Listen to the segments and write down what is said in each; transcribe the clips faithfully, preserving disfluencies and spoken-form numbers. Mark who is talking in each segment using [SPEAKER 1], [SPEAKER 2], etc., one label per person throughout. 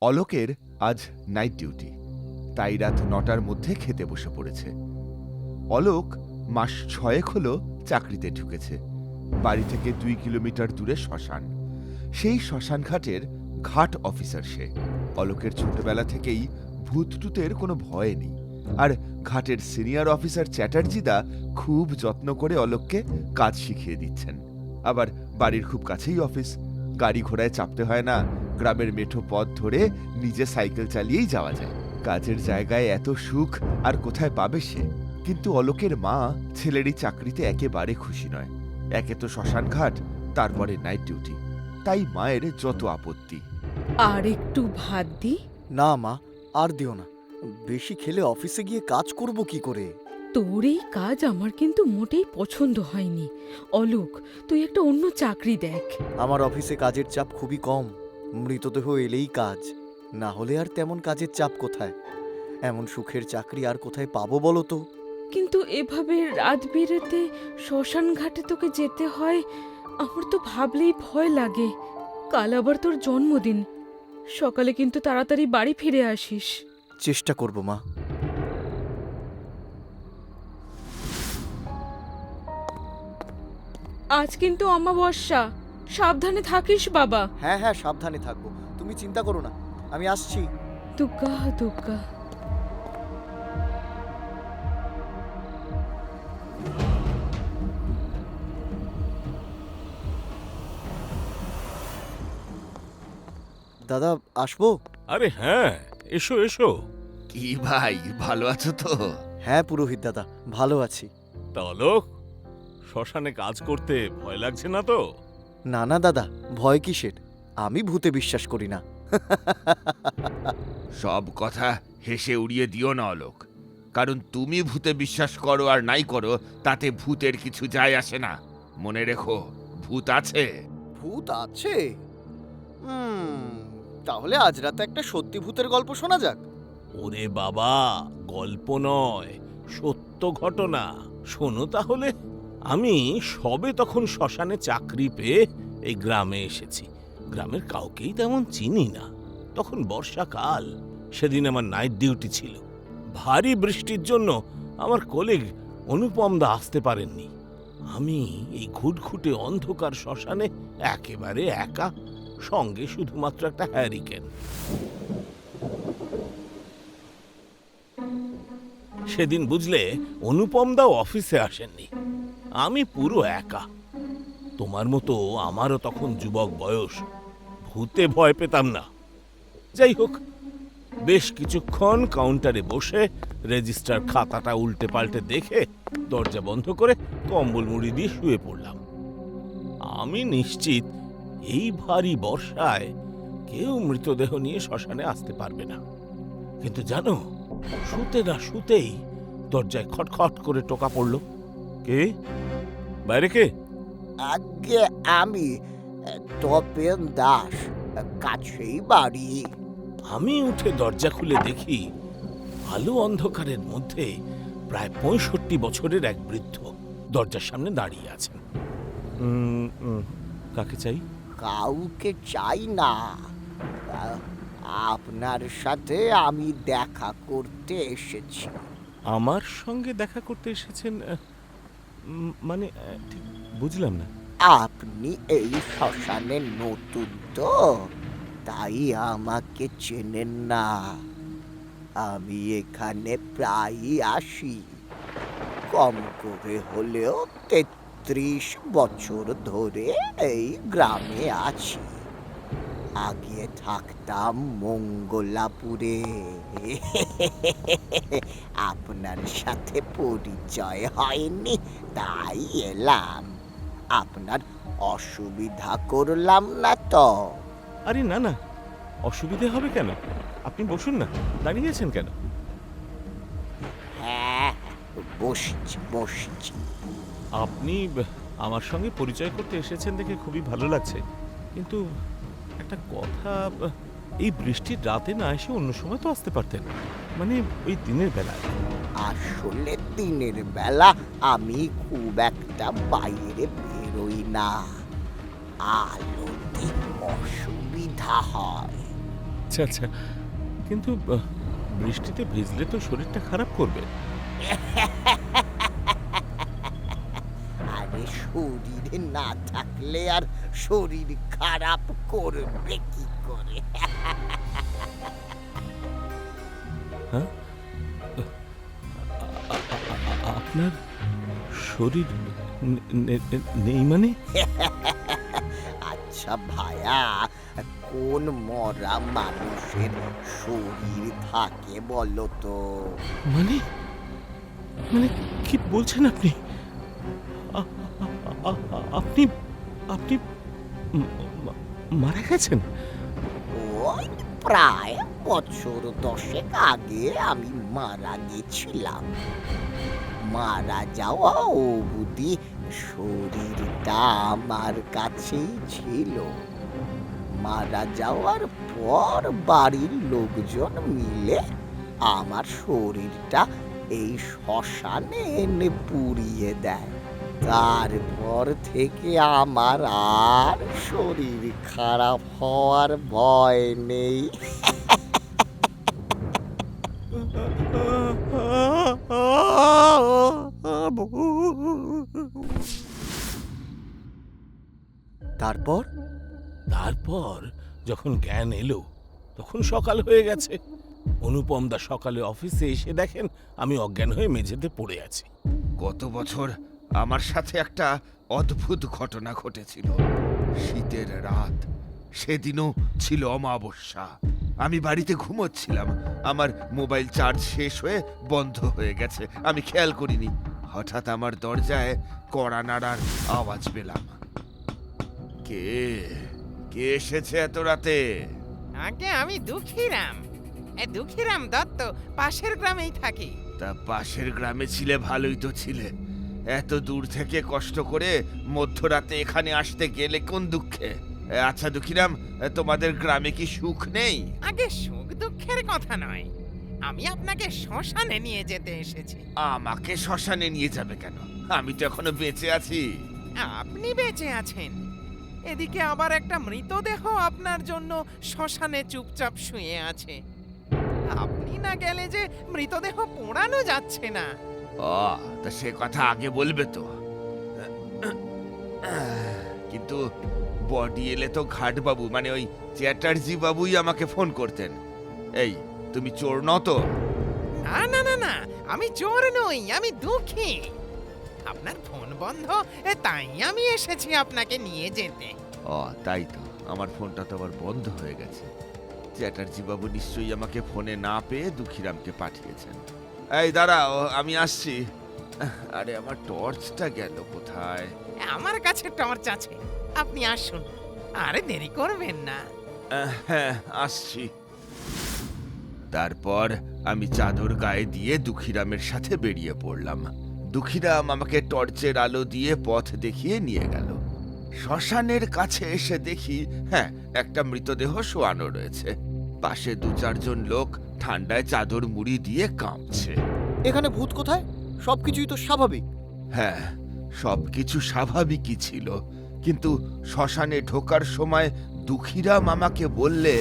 [SPEAKER 1] অলোকের আজ night duty, তাই রাত নটার মধ্যে খেতে বসে পড়েছে। অলোক মাস ছয়েক হল চাকরিতে ঢুকেছে। বাড়ি থেকে দুই কিলোমিটার দূরে শ্মশান। সেই শ্মশান ঘাটের ঘাট অফিসার সে। অলোকের ছোটবেলা থেকেই ভূতটুতের কোনো ভয় নেই। আর ঘাটের সিনিয়র অফিসার চ্যাটার্জিদা খুব যত্ন করে অলোককে কাজ শিখিয়ে দিচ্ছেন। আবার বাড়ির খুব কাছেই অফিস, গাড়ি ঘোড়ায় চাপতে হয় না। গ্রামের মেঠো পথ ধরে নিজে সাইকেল চালিয়েই যাওয়া যায়। কাজের জায়গায় এত সুখ আর কোথায় পাবে সে? কিন্তু অলোকের মা ছেলের এই চাকরিতে একেবারে খুশি নয়। একে তো শ্মশান ঘাট, তারপরে নাইট ডিউটি, তাই মায়ের যত আপত্তি।
[SPEAKER 2] আর একটু ভাত দি।
[SPEAKER 3] না মা, আর দিও না। বেশি খেলে অফিসে গিয়ে কাজ করব কি করে?
[SPEAKER 2] তোর এই কাজ আমার কিন্তু মোটেই পছন্দ হয়নি। অলোক, তুই একটা অন্য চাকরি দেখ।
[SPEAKER 3] আমার অফিসে কাজের চাপ খুবই কম। মৃতদেহ এলেই কাজ, না হলে আর তেমন কাজের চাপ কোথায়? এমন সুখের চাকরি আর কোথায় পাবো বলো তো?
[SPEAKER 2] কিন্তু এভাবে রাত বেরোতে শ্মশান ঘাটে তোকে যেতে হয়, আমার তো ভাবলেই ভয় লাগে। কাল আবার তোর জন্মদিন, সকালে কিন্তু তাড়াতাড়ি বাড়ি ফিরে আসিস।
[SPEAKER 3] চেষ্টা করব মা।
[SPEAKER 2] আজ কিন্তু অমাবস্যা, সাবধানে থাকিস বাবা।
[SPEAKER 3] হ্যাঁ হ্যাঁ, সাবধানে থাকবো, তুমি চিন্তা করো না, আমি আসছি।
[SPEAKER 2] দুগ্গা দুগ্গা।
[SPEAKER 3] দাদা, আসবো?
[SPEAKER 4] আরে হ্যাঁ, এসো এসো।
[SPEAKER 1] কি ভাই, ভালো আছো তো?
[SPEAKER 3] হ্যাঁ পুরোহিত দাদা, ভালো আছি।
[SPEAKER 4] তা অলোক, শ্মশানে কাজ করতে ভয় লাগছে না তো?
[SPEAKER 3] না না দাদা, ভয় কিসের? আমি ভূতে বিশ্বাস করি না।
[SPEAKER 1] সব কথা হেসে উড়িয়ে দিও না অলোক, কারণ তুমি ভূতে বিশ্বাস করো আর নাই করো তাতে ভূতের কিছু যায় আসে না। মনে রেখো, ভূত আছে।
[SPEAKER 3] ভূত আছে? হুম, তাহলে আজ রাতে একটা সত্যি ভূতের গল্প শোনা যাক।
[SPEAKER 4] ওরে বাবা, গল্প নয়, সত্য ঘটনা। শোনো তাহলে। আমি সবে তখন শ্মশানে চাকরি পেয়ে এই গ্রামে এসেছি। গ্রামের কাউকেই তেমন চিনি না। তখন বর্ষাকাল, সেদিন আমার নাইট ডিউটি ছিল। ভারী বৃষ্টির জন্য আমার কলিগ অনুপম দা আসতে পারেননি। আমি এই ঘুটঘুটে অন্ধকার শ্মশানে একেবারে একা, সঙ্গে শুধুমাত্র একটা হ্যারিকেন। সেদিন বুঝলে, অনুপম দাও অফিসে আসেননি। আমি পুরো একা। তোমার মতো আমারও তখন যুবক বয়স, ভূতে ভয় পেতাম না। যাই হোক, বেশ কিছুক্ষণ কাউন্টারে বসে রেজিস্টার খাতাটা উল্টে পাল্টে দেখে দরজা বন্ধ করে কম্বল মুড়ি দিয়ে শুয়ে পড়লাম। আমি নিশ্চিত এই ভারী বর্ষায় কেউ মৃতদেহ নিয়ে শ্মশানে আসতে পারবে না। কিন্তু জানো, শুতে না শুতেই দরজায় খটখট করে টোকা পড়ল। কে? বাইরে কে?
[SPEAKER 5] আগে আমি, তপেন দাস, কাছেই বাড়ি।
[SPEAKER 4] আমি উঠে দরজা খুলে দেখি, আলো অন্ধকারের মধ্যে প্রায় পঁয়ষট্টি বছরের এক বৃদ্ধ দরজার সামনে দাঁড়িয়ে আছেন। উম, উম, কাকে চাই?
[SPEAKER 5] কাউকে চাই না, আ- আপনার সাথে আমি দেখা করতে এসেছি।
[SPEAKER 4] আমার সঙ্গে দেখা করতে এসেছেন? আহ, উম, মানে আহ, ঠিক বুঝলাম না।
[SPEAKER 5] আপনি এই শ্মশানে নতুন তো, তাই আমাকে চেনেন না। আমি এখানে প্রায়ই আসি। কম করে হলেও তেত্রিশ বছর ধরে এই গ্রামে আছি। আগে থাকতাম মঙ্গলাপুরে। আপনার সাথে পরিচয় হয়নি, তাই এলাম। আপনার অসুবিধা করলাম না তো?
[SPEAKER 4] আরে না না, অসুবিধে হবে কেন? আপনি বসুন না, দাঁড়িয়ে আছেন কেন?
[SPEAKER 5] হ্যাঁ, বসছি বসছি।
[SPEAKER 4] আপনি ব- আমার সঙ্গে পরিচয় করতে এসেছেন দেখে খুবই ভালো লাগছে, কিন্তু একটা কথা, ব- এই বৃষ্টির রাতে না এসে অন্য সময় তো আসতে পারতেন, মানে ওই দিনের বেলায়।
[SPEAKER 5] আসলে দিনের বেলা আমি খুব একটা বাইরে বেরোই না, আলোতে অসুবিধা হয়।
[SPEAKER 4] আচ্ছা আচ্ছা, কিন্তু আহ, বৃষ্টিতে ভিজলে তো শরীরটা খারাপ করবে।
[SPEAKER 5] আরে শরীরে না থাকলে আর শরীর খারাপ করবে কি করে?
[SPEAKER 4] হ্যাঁ, আপনার শরীর নে- নে- নে- নেই মানে?
[SPEAKER 5] আচ্ছা ভায়া, কোন মরা মানুষের শরীর থাকে বলো তো?
[SPEAKER 4] মানে মানে কি বলছেন আপনি? আ- আ- আ- আপনি আপনি ম- মা- মারা গেছেন?
[SPEAKER 5] ওই প্রায় বছর দশেক আগে আমি মারা গেছিলাম। মারা যাওয়া অবধি শরীরটা আমার কাছেই ছিল। মারা যাওয়ার পর বাড়ির লোকজন মিলে আমার শরীরটা এই শ্মশানে এনে পুড়িয়ে দেয়। তারপর থেকে আমার আর শরীর খারাপ হওয়ার ভয় নেই।
[SPEAKER 3] তারপর
[SPEAKER 4] তারপর যখন জ্ঞান এলো তখন সকাল হয়ে গেছে। অনুপম দা সকালে অফিসে এসে দেখেন আমি অজ্ঞান হয়ে মেঝেতে পড়ে আছি।
[SPEAKER 1] গত বছর আমার সাথে একটা অদ্ভুত ঘটনা ঘটেছিল। শীতের রাত, সেদিনও ছিল অমাবস্যা। আমি বাড়িতে ঘুমোচ্ছিলাম, আমার মোবাইল চার্জ শেষ হয়ে বন্ধ হয়ে গেছে। আমি খেয়াল করিনি, হঠাৎ আমার দরজায় কড়া নাড়ার আওয়াজ পেলাম। কে কে এসেছে এত রাতে?
[SPEAKER 6] আগে আমি দুঃখীরাম। এ দুঃখীরাম দত্ত পাশের গ্রামেই থাকি।
[SPEAKER 1] তা পাশের গ্রামে ছিলে, ভালোই তো ছিলে। এত দূর থেকে কষ্ট করে মধ্যরাতে এখানে আসতে গেলে কোন দুঃখে? এ, আচ্ছা দুঃখিরাম, এ, তোমাদের গ্রামে কি সুখ নেই?
[SPEAKER 6] আগে সুখ দুঃখের কথা নয়, আমি আপনাকে শ্মশানে নিয়ে যেতে এসেছি।
[SPEAKER 1] আমাকে শ্মশানে নিয়ে যাবে কেন? আমি তো এখনো বেঁচে আছি।
[SPEAKER 6] আপনি বেঁচে আছেন, এদিকে আবার একটা মৃতদেহ আপনার জন্য শ্মশানে চুপচাপ শুয়ে আছে। আপনি না গেলে যে মৃতদেহ পোড়ানো যাচ্ছে না।
[SPEAKER 1] ও, তা সে কথা আগে বলবে তো। কিন্তু বডি এলে তো ঘাট বাবু, মানে ওই চ্যাটার্জি বাবুই আমাকে ফোন করতেন। এই, তুমি চোর নও তো?
[SPEAKER 6] না না না না, আমি চোর নই, আমি দুঃখী। আপনার ফোন বন্ধ, এ তাই আমি এসেছি আপনাকে নিয়ে যেতে।
[SPEAKER 1] ও তাই তো, আমার ফোনটা তো আবার বন্ধ হয়ে গেছে। চ্যাটার্জি বাবু নিশ্চয়ই আমাকে ফোনে না পেয়ে দুঃখীরামকে পাঠিয়েছেন। এই দাঁড়াও, আমি আসছি। আরে আমার টর্চটা গেল কোথায়?
[SPEAKER 6] আমার কাছে টর্চ আছে, আপনি আসুন, আরে দেরি করবেন না।
[SPEAKER 1] আহ, হ্যাঁ আসছি। তারপর আমি চাদর গায়ে দিয়ে দুঃখীরামের সাথে বেরিয়ে পড়লাম। দুঃখীরাম আমাকে টর্চের আলো দিয়ে পথ দেখিয়ে নিয়ে গেল। শ্মশানের কাছে এসে দেখি, হ্যাঁ, একটা মৃতদেহ শোয়ানো রয়েছে। পাশে দু চারজন লোক ঠান্ডায় চাদর মুড়ি দিয়ে কাঁপছে।
[SPEAKER 3] এখানে ভূত কোথায়? সবকিছুই তো স্বাভাবিক।
[SPEAKER 1] হ্যাঁ, সবকিছু স্বাভাবিকই ছিল, কিন্তু শ্মশানে ঢোকার সময় দুঃখীরাম আমাকে বললে,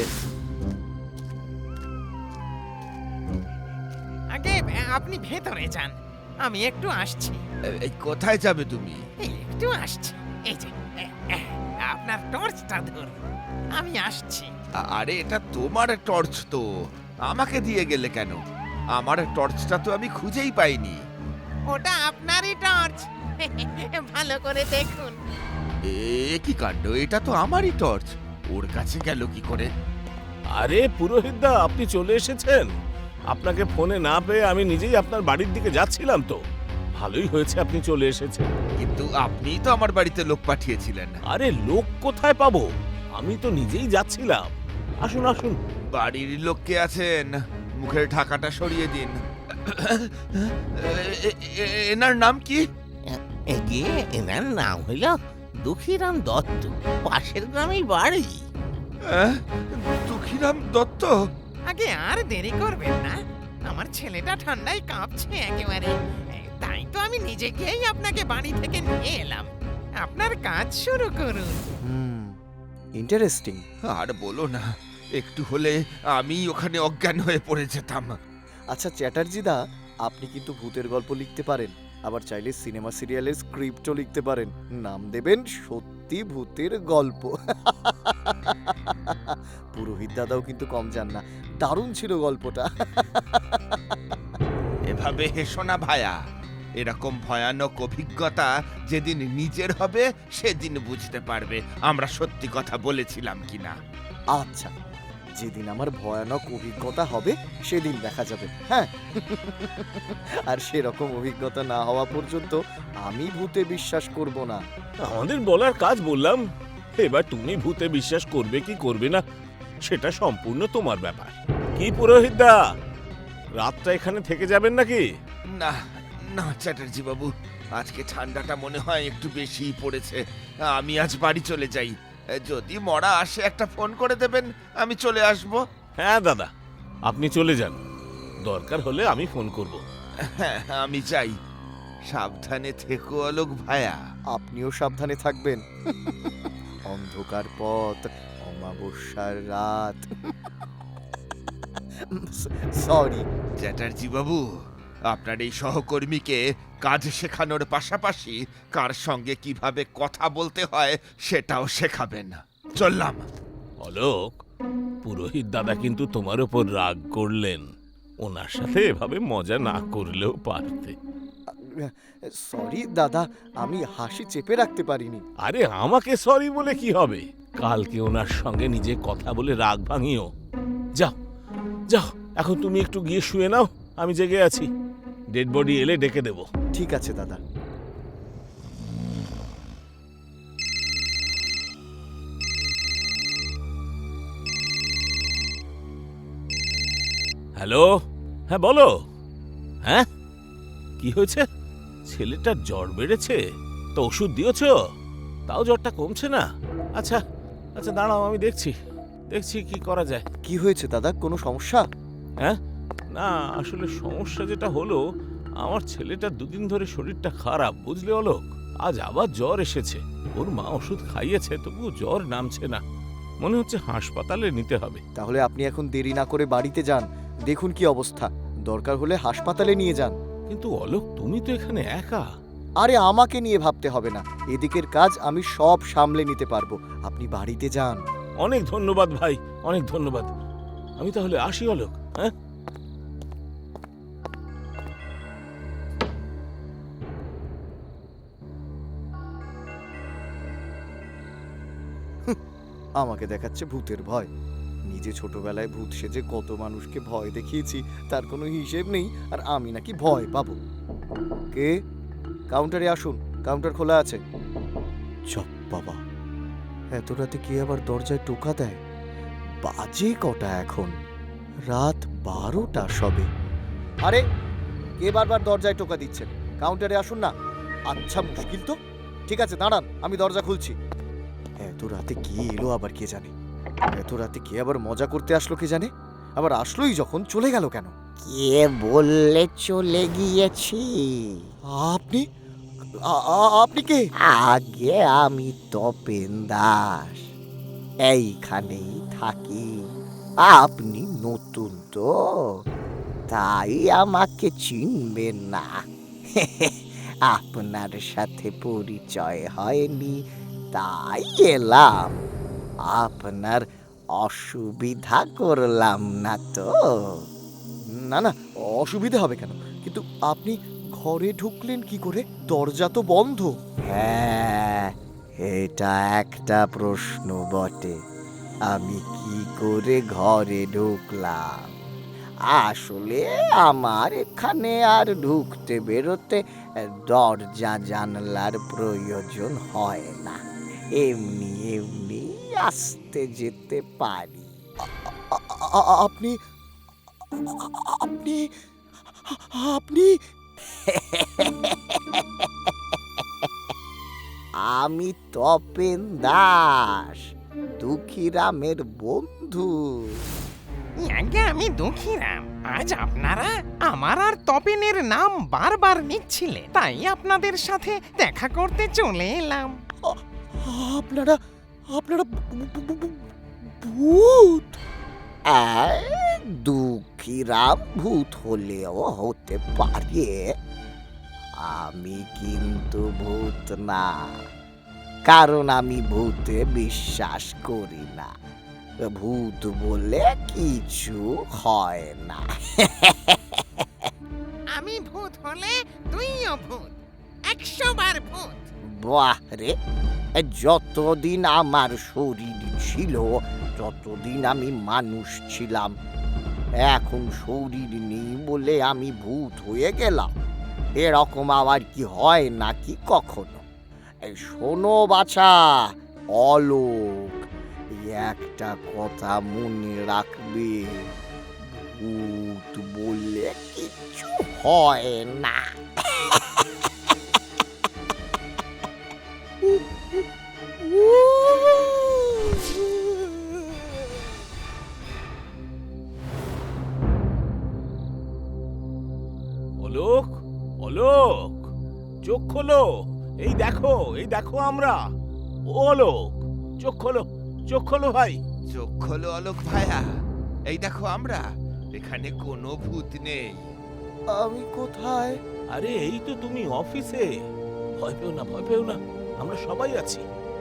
[SPEAKER 6] আগে আপনি ভেতরে যান, আমি একটু আসছি।
[SPEAKER 1] "এ- এই কোথায় যাবে তুমি?"
[SPEAKER 6] এই একটু আসছি, এই যে এ, এ, আপনার টর্চটা ধরুন, আমি আসছি।
[SPEAKER 1] আ- আরে এটা তোমার টর্চ তো, আমাকে দিয়ে গেলে কেন? আমার টর্চটা তো আমি খুঁজেই পাইনি।
[SPEAKER 6] ওটা আপনারই টর্চ, ভালো করে দেখুন।
[SPEAKER 1] এ কি কাণ্ড, এটা তো আমারই টর্চ, ওর কাছে গেল কি করে?
[SPEAKER 4] আরে পুরোহিতদা, আপনি চলে এসেছেন। আপনাকে ফোনে না পেয়ে আমি নিজেই আপনার বাড়ির দিকে যাচ্ছিলাম তো। ভালোই হয়েছে আপনি চলে এসেছেন।
[SPEAKER 1] কিন্তু আপনিই তো আমার বাড়িতে লোক পাঠিয়েছিলেন।
[SPEAKER 4] আরে লোক কোথায় পাবো, আমি তো নিজেই যাচ্ছিলাম। আসুন আসুন।
[SPEAKER 1] বাড়ির লোক কে আছেন? মুখের ঢাকাটা সরিয়ে দিন। এ- এ- এ- এনার নাম কি?
[SPEAKER 7] এগে এনার নাম হইল দুঃখীরাম দত্ত, পাশের গ্রামেই বাড়ি।
[SPEAKER 1] আহ, দুঃখীরাম দত্ত?
[SPEAKER 6] আগে আর দেরি করবেন না, আমার ছেলেটা ঠান্ডায় কাঁপছে একেবারে। এ, তাই তো আমি নিজে গিয়েই আপনাকে বাড়ি থেকে নিয়ে এলাম। আপনার কাজ শুরু করুন।
[SPEAKER 3] হুম, ইন্টারেস্টিং।
[SPEAKER 1] আর বলো না, একটু হলে আমি ওখানে অজ্ঞান হয়ে পড়ে যেতাম।
[SPEAKER 3] আচ্ছা চ্যাটার্জি দা, আপনি কিন্তু ভূতের গল্প লিখতে পারেন, আবার চাইলে সিনেমা সিরিয়ালের স্ক্রিপ্টও লিখতে পারেন। নাম দেবেন সত্যি ভূতের গল্প। পুরোহিত দাদাও কিন্তু কম যান না, দারুণ ছিল গল্পটা।
[SPEAKER 1] এভাবে হেসো না ভায়া, এরকম ভয়ানক অভিজ্ঞতা যেদিন নিজের হবে সেদিন বুঝতে পারবে আমরা সত্যি কথা বলেছিলাম কিনা।
[SPEAKER 3] আচ্ছা, যেদিন আমার ভয়ানক অভিজ্ঞতা হবে সেদিন দেখা যাবে। হ্যাঁ, আর সেরকম অভিজ্ঞতা না হওয়া পর্যন্ত আমি ভূতে বিশ্বাস করব না।
[SPEAKER 4] আমাদের বলার কাজ বললাম, এবার তুমি ভূতে বিশ্বাস করবে কি করবে না সেটা সম্পূর্ণ তোমার ব্যাপার। কি পুরোহিত দা, রাতটা এখানে থেকে যাবেন নাকি?
[SPEAKER 1] না না চ্যাটার্জি বাবু, আজকে ঠান্ডাটা মনে হয় একটু বেশিই পড়েছে। আমি আজ বাড়ি চলে যাই। যদি মরা আসে একটা ফোন করে দেবেন, আমি চলে আসব।
[SPEAKER 4] হ্যাঁ দাদা, আপনি চলে যান, দরকার হলে আমি ফোন করব।
[SPEAKER 1] হ্যাঁ আমি যাই। সাবধানে থেকো অলোক ভায়া।
[SPEAKER 3] আপনিও সাবধানে থাকবেন। অন্ধকার পথ, অমাবস্যার রাত। সরি
[SPEAKER 1] চ্যাটার্জি বাবু, আপনার এই সহকর্মীকে কাজ শেখানোর পাশাপাশি কার সঙ্গে কিভাবে কথা বলতে হয় সেটাও শেখাবেন। চললাম।
[SPEAKER 4] অলোক, পুরোহিত দাদা কিন্তু তোমার উপর রাগ করলেন, ওনার সাথে এভাবে মজা না করলেও পারতে।
[SPEAKER 3] সরি দাদা, আমি হাসি চেপে রাখতে পারিনি।
[SPEAKER 4] আরে আমাকে সরি বলে কি হবে, কালকে ওনার সঙ্গে নিজে কথা বলে রাগ ভাঙিও। যাও যাও, এখন তুমি একটু গিয়ে শুয়ে নাও, আমি জেগে আছি। ডেড বডি এলে ডেকে দেব।
[SPEAKER 3] ঠিক আছে দাদা।
[SPEAKER 4] হ্যালো, হ্যাঁ বলো। হ্যাঁ, কি হয়েছে? ছেলেটার জ্বর বেড়েছে তো ওষুধ দিয়েছ? তাও জ্বরটা কমছে না? আচ্ছা আচ্ছা, দাঁড়াও, আমি দেখছি দেখছি কি করা যায়।
[SPEAKER 3] কি হয়েছে দাদা, কোনো সমস্যা?
[SPEAKER 4] হ্যাঁ, না আসলে সমস্যা যেটা হলো, আমার ছেলেটার দুদিন ধরে শরীরটা খারাপ, বুঝলে অলোক। আজ আবার জ্বর এসেছে। ওর মা ওষুধ খাইয়েছে, তবুও জ্বর নামছে না। মনে হচ্ছে হাসপাতালে নিতে হবে।
[SPEAKER 3] তাহলে আপনি এখন দেরি না করে বাড়িতে যান, দেখুন কি অবস্থা। দরকার হলে হাসপাতালে নিয়ে যান।
[SPEAKER 4] কিন্তু অলোক, তুমি তো এখানে একা।
[SPEAKER 3] আরে আমাকে নিয়ে ভাবতে হবে না, এদিকের কাজ আমি সব সামলে নিতে পারবো। আপনি বাড়িতে যান।
[SPEAKER 4] অনেক ধন্যবাদ ভাই, অনেক ধন্যবাদ। আমি তাহলে আসি অলোক। হ্যাঁ,
[SPEAKER 3] আমাকে দেখাচ্ছে ভূতের ভয়। নিজে ছোটবেলায় ভূত সেজে কত মানুষকে ভয় দেখিয়েছি, তার কোনো হিসেব নেই, আর আমি নাকি ভয় পাবো। কে? কাউন্টারে আসুন, কাউন্টার খোলা আছে। চপ বাবা, এত রাতে কে আবার দরজায় টোকা দেয়? বাজে কটা এখন? রাত বারোটা সবে। আরে কে বারবার দরজায় টোকা দিচ্ছেন? কাউন্টারে আসুন না। আচ্ছা মুশকিল তো, ঠিক আছে দাঁড়ান, আমি দরজা খুলছি। এত রাতে কে এলো আবার কে জানে? এত রাতে কে আবার মজা করতে আসলো কে জানে? আবার আসলোই যখন চলে গেল কেন?
[SPEAKER 5] কে বললে চলে গিয়েছি?
[SPEAKER 3] আপনি আ- আ- আপনি কে?
[SPEAKER 5] আগে আমি তপেন দাস, এইখানেই থাকি। আপনি নতুন তো, তাই আমাকে চিনবেন না। আপনার সাথে পরিচয় হয়নি, তাই এলাম। আপনার অসুবিধা করলাম না তো?
[SPEAKER 3] না না, অসুবিধা হবে কেন? কিন্তু আপনি ঘরে ঢুকলেন কি করে? দরজা তো বন্ধ।
[SPEAKER 5] হ্যাঁ, এটা একটা প্রশ্ন বটে। আমি কি করে ঘরে ঢুকলাম? আসলে আমার এখানে আর ঢুকতে বেরোতে দরজা জানলার প্রয়োজন হয় না, এমনি এমনি আসতে যেতে পারি।
[SPEAKER 3] আ- আ- আপনি আপনি আপনি
[SPEAKER 5] আমি তপেন দাস, দুঃখীরামের বন্ধু।
[SPEAKER 6] আগে আমি দুঃখীরাম, আজ আপনারা আমার আর তপেনের নাম বারবার নিচ্ছিলেন, তাই আপনাদের সাথে দেখা করতে চলে এলাম।
[SPEAKER 3] আপনারা আপনারা ভূ- ভূ- ভূ- ভূত?
[SPEAKER 5] দুঃখীরাম ভূত হলেও হতে পারে, আমি কিন্তু ভূত না, কারণ আমি ভূতে বিশ্বাস করি না। ভূত বলে কিছু হয় না।
[SPEAKER 6] আমি ভূত হলে তুইও ভূত, একশো বার ভূত।
[SPEAKER 5] বাহ রে, যতদিন আমার শরীর ছিল ততদিন আমি মানুষ ছিলাম, এখন শরীর নেই বলে আমি ভূত হয়ে গেলাম। এরকম আবার কি হয় নাকি কখনো? এই শোনো বাছা, অলোক, এই একটা কথা মনে রাখবে, ভূত বললে কিচ্ছু হয় না।
[SPEAKER 4] অলোক, অলোক, চোখ খোলো। এই দেখো, এই দেখো আমরা। ও অলোক, চোখ খোলো, চোখ খোলো ভাই।
[SPEAKER 1] চোখ খোলো অলোক ভাইয়া, এই দেখো আমরা, এখানে কোনো ভূত নেই।
[SPEAKER 3] আমি কোথায়?
[SPEAKER 4] আরে এই তো তুমি অফিসে। ভয় পেও না, ভয় পেও না, আমরা সবাই আছি।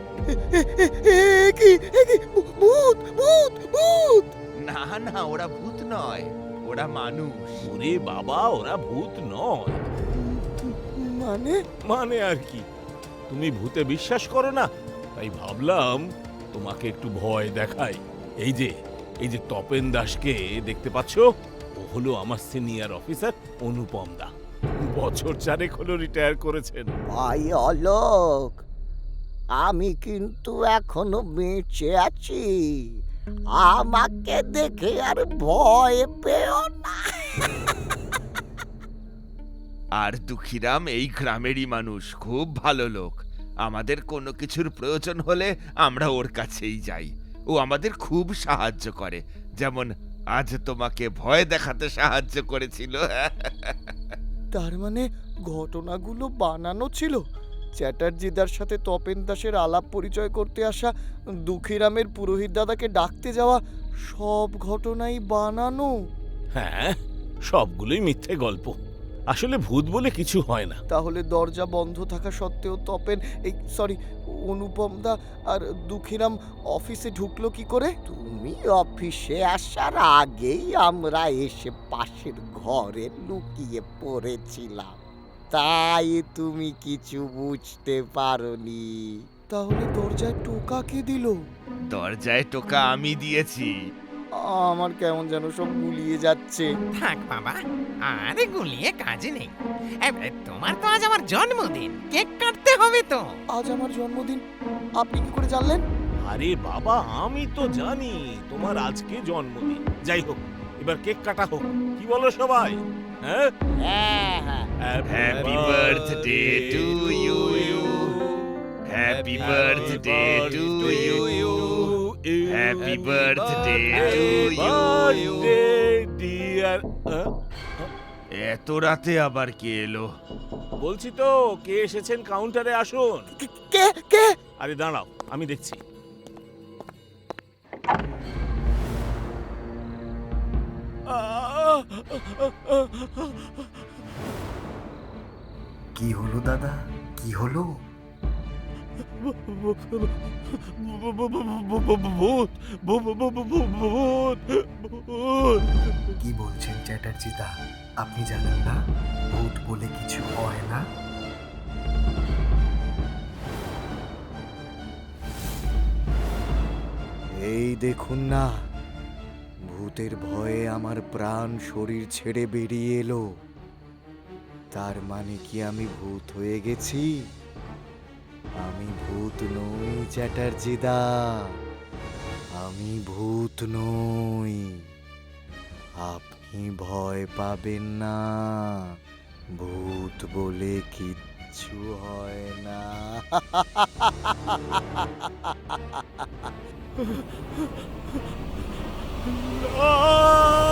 [SPEAKER 3] কি ভূত ভূত ভূত!
[SPEAKER 1] না না, ওরা ভূত নয়, ওরা মানুষ।
[SPEAKER 4] ওরে বাবা, ওরা ভূত নয়।
[SPEAKER 3] মানে
[SPEAKER 4] মানে আর কি, তুমি ভূতে বিশ্বাস করো না, তাই ভাবলাম তোমাকে একটু ভয় দেখাই। এই যে, এই যে তপেন দাসকে দেখতে পাচ্ছ, ও হলো আমার সিনিয়র অফিসার অনুপম দা। বছর চারেক হলো রিটায়ার করেছেন।
[SPEAKER 5] ভাই অলোক, আমি কিন্তু এখনো বেঁচে আছি, আমাকে দেখে আর ভয় পেও না।
[SPEAKER 1] আর দুঃখীরাম এই গ্রামেরই মানুষ, খুব ভালো লোক। আমাদের কোনো কিছুর প্রয়োজন হলে আমরা ওর কাছেই যাই, ও আমাদের খুব সাহায্য করে, যেমন আজ তোমাকে ভয় দেখাতে সাহায্য করেছিল।
[SPEAKER 3] তার মানে ঘটনাগুলো বানানো ছিল? চ্যাটার্জিদার সাথে তপেন দাসের আলাপ পরিচয় করতে আসা, দুঃখীরামের পুরোহিত দাদাকে ডাকতে যাওয়া, সব ঘটনাই বানানো?
[SPEAKER 4] হ্যাঁ, সবগুলোই মিথ্যে গল্প। আসলে ভূত বলে কিছু হয় না।
[SPEAKER 3] তাহলে দরজা বন্ধ থাকা সত্ত্বেও তপেন, এই সরি অনুপম দা আর দুঃখীরাম অফিসে ঢুকলো কি করে?
[SPEAKER 5] তুমি অফিসে আসার আগেই আমরা এসে পাশের ঘরে লুকিয়ে পড়েছিলাম, তাই তুমি কিছু বুঝতে পারোনি।
[SPEAKER 3] তাহলে দরজায় টোকা কে দিল?
[SPEAKER 1] দরজায় টোকা আমি দিয়েছি।
[SPEAKER 3] আমার কেমন যেন সব গুলিয়ে যাচ্ছে।
[SPEAKER 6] থাক বাবা, আরে গুলিয়ে কাজ নেই। এ, এ, তোমার তো আজ আমার জন্মদিন, কেক কাটতে হবে তো।
[SPEAKER 3] আজ আমার জন্মদিন, আপনি কি করে জানলেন?
[SPEAKER 4] আরে বাবা, আমি তো জানি তোমার আজকে জন্মদিন। যাই হোক, এবার কেক কাটা হোক, কি বলো সবাই? হ্যাঁ,
[SPEAKER 5] হ্যাঁ হ্যাঁ,
[SPEAKER 1] Happy birthday to you. Happy birthday to you. Happy birthday to you.
[SPEAKER 4] Dear.
[SPEAKER 1] এত রাতে আবার কে এলো?
[SPEAKER 4] বলছি তো, কে এসেছেন কাউন্টারে আসুন।
[SPEAKER 3] কে কে?
[SPEAKER 4] আরে দাঁড়াও, আমি দেখছি।
[SPEAKER 8] কি হলো দাদা, কি হলো?
[SPEAKER 4] ভূত, ভূত, ভূত।
[SPEAKER 8] কি বলছেন চ্যাটার্জি দা? আপনি জানেন না ভূত বলে কিছু হয় না?
[SPEAKER 3] এই দেখুন না, ভূতের ভয়ে আমার প্রাণ শরীর ছেড়ে বেরিয়ে এলো। তার মানে কি আমি ভূত হয়ে গেছি? আমি ভূত নই চ্যাটার্জি দা, আমি ভূত নই। আপনি ভয় পাবেন না, ভূত বলে কিচ্ছু হয় না।
[SPEAKER 4] আহ!